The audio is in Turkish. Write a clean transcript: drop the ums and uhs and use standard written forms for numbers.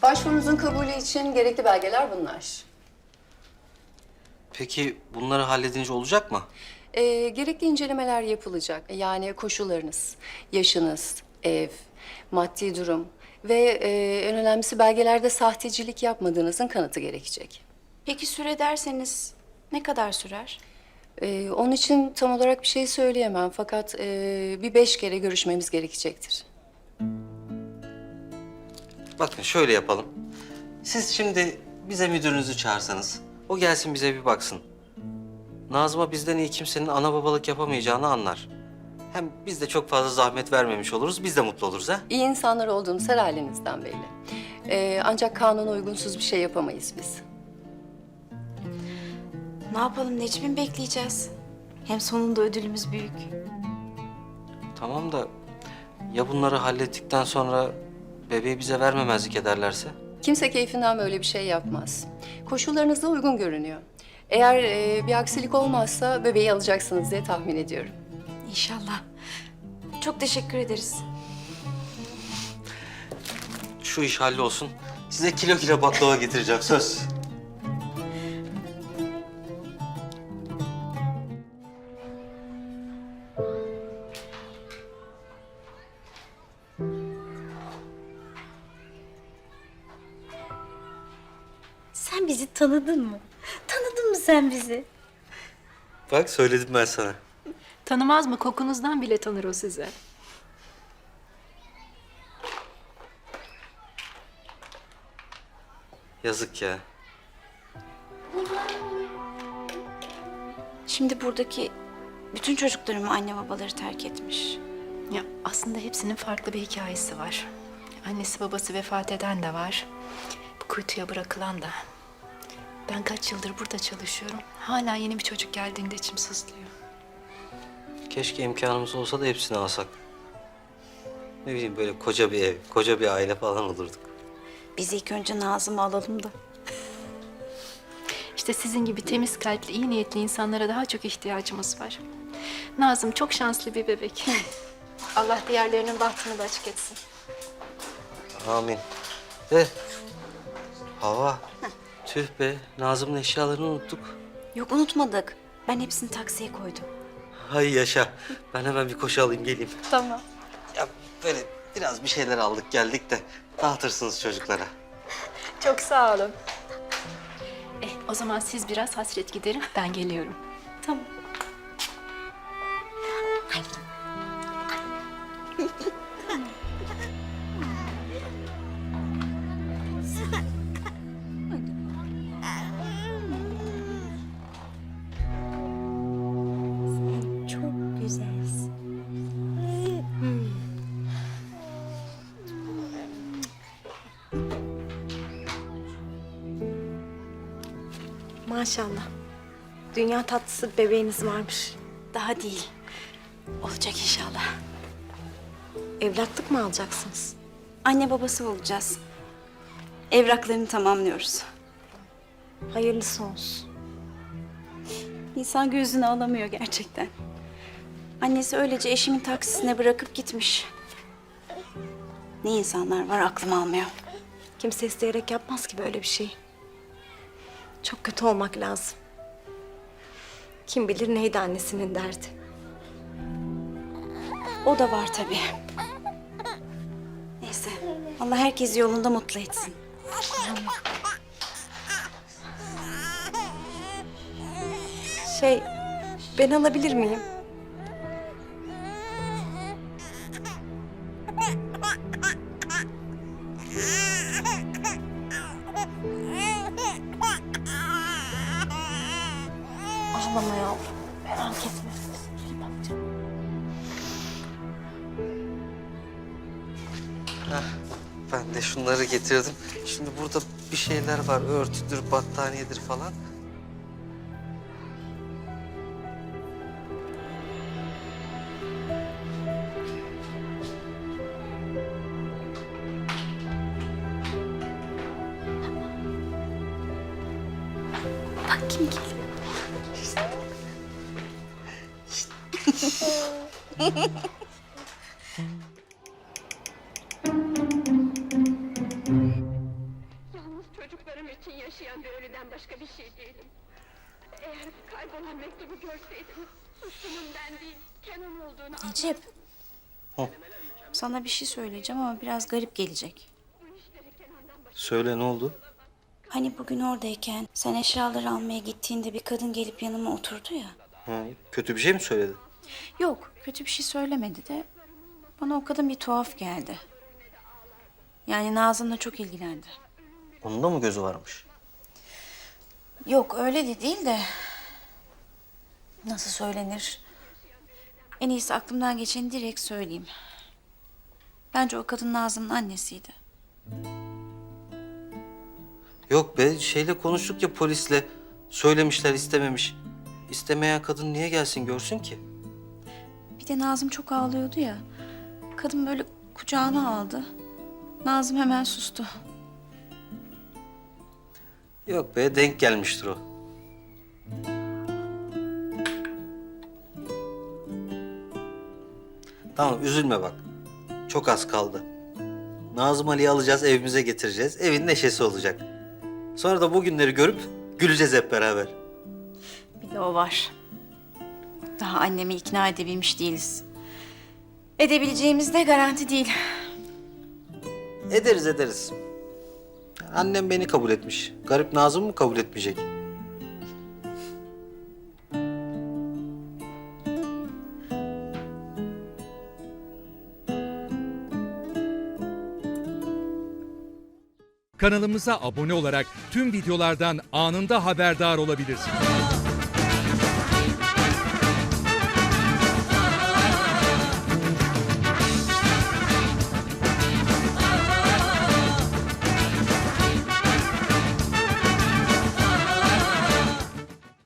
Başvurunuzun kabulü için gerekli belgeler bunlar. Peki bunları halledince olacak mı? Gerekli incelemeler yapılacak. Yani koşullarınız, yaşınız, ev, maddi durum ve en önemlisi belgelerde sahtecilik yapmadığınızın kanıtı gerekecek. Peki süre derseniz ne kadar sürer? Onun için tam olarak bir şey söyleyemem fakat bir 5 kere görüşmemiz gerekecektir. Bakın şöyle yapalım. Siz şimdi bize müdürünüzü çağırsanız, o gelsin bize bir baksın. Nazım'a bizden iyi kimsenin ana babalık yapamayacağını anlar. Hem biz de çok fazla zahmet vermemiş oluruz, biz de mutlu oluruz ha? İyi insanlar olduğunuz her halinizden belli. Ancak kanuna uygunsuz bir şey yapamayız biz. Ne yapalım Necmi mi bekleyeceğiz? Hem sonunda ödülümüz büyük. Tamam da ya bunları hallettikten sonra bebeği bize vermemezlik ederlerse? Kimse keyfinden böyle bir şey yapmaz. Koşullarınız da uygun görünüyor. Eğer bir aksilik olmazsa bebeği alacaksınız diye tahmin ediyorum. İnşallah. Çok teşekkür ederiz. Şu iş hallolsun. Size kilo kilo baklava getireceğim, söz. Sen bizi tanıdın mı? Tanıdın mı sen bizi? Bak söyledim ben sana. Tanımaz mı? Kokunuzdan bile tanır o sizi. Yazık ya. Şimdi buradaki bütün çocuklarımı anne babaları terk etmiş. Ya aslında hepsinin farklı bir hikayesi var. Annesi babası vefat eden de var. Bu kuytuya bırakılan da. Ben kaç yıldır burada çalışıyorum. Hala yeni bir çocuk geldiğinde içim sızlıyor. Keşke imkanımız olsa da hepsini alsak. Ne bileyim böyle koca bir ev, koca bir aile falan olurduk. Biz ilk önce Nazım'ı alalım da. İşte sizin gibi temiz kalpli, iyi niyetli insanlara daha çok ihtiyacımız var. Nazım çok şanslı bir bebek. Allah diğerlerinin bahtını da açık etsin. Amin. De. Hava. Tüh be, Nazım'ın eşyalarını unuttuk. Yok unutmadık. Ben hepsini taksiye koydum. Hay yaşa. Ben hemen bir koşu alayım geleyim. Tamam. Ya böyle biraz bir şeyler aldık geldik de dağıtırsınız çocuklara. Çok sağ olun. O zaman siz biraz hasret giderin, ben geliyorum. Tamam. Çok güzelsin. Maşallah. Dünya tatlısı bir bebeğiniz varmış. Daha değil. Olacak inşallah. Evlatlık mı alacaksınız? Anne babası olacağız. Evraklarını tamamlıyoruz. Hayırlısı olsun. İnsan gözünü alamıyor gerçekten. Annesi öylece eşimin taksisine bırakıp gitmiş. Ne insanlar var aklım almıyor. Kimse isteyerek yapmaz ki böyle bir şey. Çok kötü olmak lazım. Kim bilir neydi annesinin derdi. O da var tabii. Neyse. Allah herkesi yolunda mutlu etsin. Ben alabilir miyim? Ağlama yavrum. Merak etme. Ben de şunları getirdim. Şimdi burada bir şeyler var. Örtüdür, battaniyedir falan. Bak kim geliyor. için yaşayan bir ölüden başka bir şey değilim. Eğer kaybolan mektubu görseydiniz, suçlunun ben değil, Kenan olduğunu Necip. Hı. Sana bir şey söyleyeceğim ama biraz garip gelecek. Söyle, ne oldu? Hani bugün oradayken sen eşyaları almaya gittiğinde bir kadın gelip yanıma oturdu ya. Ha, kötü bir şey mi söyledi? Yok, kötü bir şey söylemedi de bana o kadın bir tuhaf geldi. Yani Nazım'la çok ilgilendi. Onun da mı gözü varmış? Yok, öyle de değil de nasıl söylenir? En iyisi aklımdan geçeni direkt söyleyeyim. Bence o kadın Nazım'ın annesiydi. Yok be, şeyle konuştuk ya polisle. Söylemişler, istememiş. İstemeyen kadın niye gelsin görsün ki? Bir de Nazım çok ağlıyordu ya. Kadın böyle kucağına aldı. Nazım hemen sustu. Yok be, denk gelmiştir o. Tamam, üzülme bak. Çok az kaldı. Nazım Ali'yi alacağız, evimize getireceğiz. Evin neşesi olacak. Sonra da bu günleri görüp güleceğiz hep beraber. Bir de o var. Daha annemi ikna edebilmiş değiliz. Edebileceğimiz de garanti değil. Ederiz, ederiz. Annem beni kabul etmiş. Garip Nazım mı kabul etmeyecek? Kanalımıza abone olarak tüm videolardan anında haberdar olabilirsiniz.